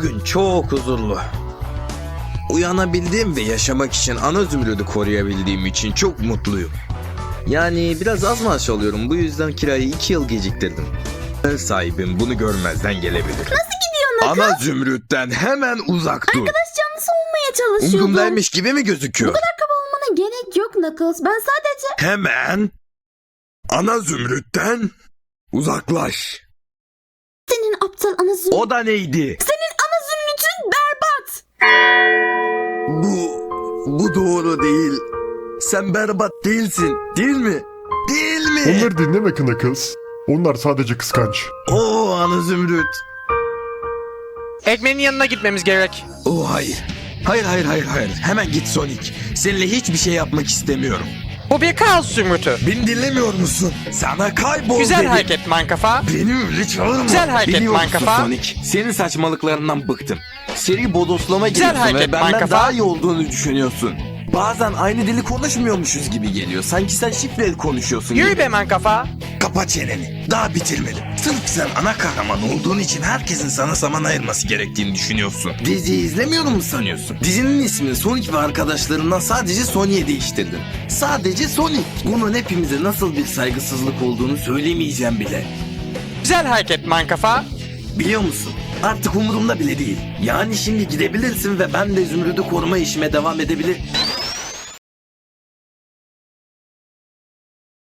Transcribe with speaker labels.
Speaker 1: Bugün çok huzurlu. Uyanabildiğim ve yaşamak için ana zümrüdü koruyabildiğim için çok mutluyum. Yani biraz az maaş alıyorum, bu yüzden kirayı 2 yıl geciktirdim. Ev sahibim bunu görmezden gelebilir.
Speaker 2: Nasıl gidiyor Knuckles?
Speaker 1: Ana zümrütten hemen uzak dur.
Speaker 2: Arkadaş canlısı olmaya çalışıyordum.
Speaker 1: Umurumdaymış gibi mi gözüküyor?
Speaker 2: Bu kadar kaba olmana gerek yok Knuckles. Ben sadece...
Speaker 1: Hemen ana zümrütten uzaklaş.
Speaker 2: Senin aptal ana zümrüt...
Speaker 1: O da neydi?
Speaker 2: Senin ana zümrütün berbat.
Speaker 1: Bu doğru değil. Sen berbat değilsin, değil mi? Değil mi?
Speaker 3: Onları dinleme Knuckles. Onlar sadece kıskanç.
Speaker 1: Oo ana zümrüt.
Speaker 4: Ekmeğin yanına gitmemiz gerek.
Speaker 1: Oo hayır. Hayır. Hemen git Sonic. Seninle hiçbir şey yapmak istemiyorum.
Speaker 4: Bu bir kaos zümrütü.
Speaker 1: Beni dinlemiyor musun? Sana kaybol
Speaker 4: Güzel
Speaker 1: dedim.
Speaker 4: hareket mankafa.
Speaker 1: Beni öyle çağırma.
Speaker 4: Güzel hareket
Speaker 1: Biliyor musun
Speaker 4: mankafa.
Speaker 1: Sonic? Senin saçmalıklarından bıktım. Seri bodoslama
Speaker 4: Güzel
Speaker 1: giriyorsun ve
Speaker 4: hareket
Speaker 1: benden
Speaker 4: mankafa.
Speaker 1: daha iyi olduğunu düşünüyorsun. Bazen aynı dili konuşmuyormuşuz gibi geliyor. Sanki sen şifreli konuşuyorsun
Speaker 4: Yürü
Speaker 1: gibi.
Speaker 4: be mankafa.
Speaker 1: Kapa çeneni. Daha bitirmedim. Sırf sen ana kahraman olduğun için herkesin sana zaman ayırması gerektiğini düşünüyorsun. Diziyi izlemiyor mu sanıyorsun? Dizinin ismini Sonic ve arkadaşlarından sadece Sonic'e değiştirdin. Sadece Sonic. Bunun hepimize nasıl bir saygısızlık olduğunu söylemeyeceğim bile.
Speaker 4: Güzel hareket mankafa.
Speaker 1: Biliyor musun? Artık umurumda bile değil. Yani şimdi gidebilirsin ve ben de Zümrüd'ü koruma işime devam edebilir.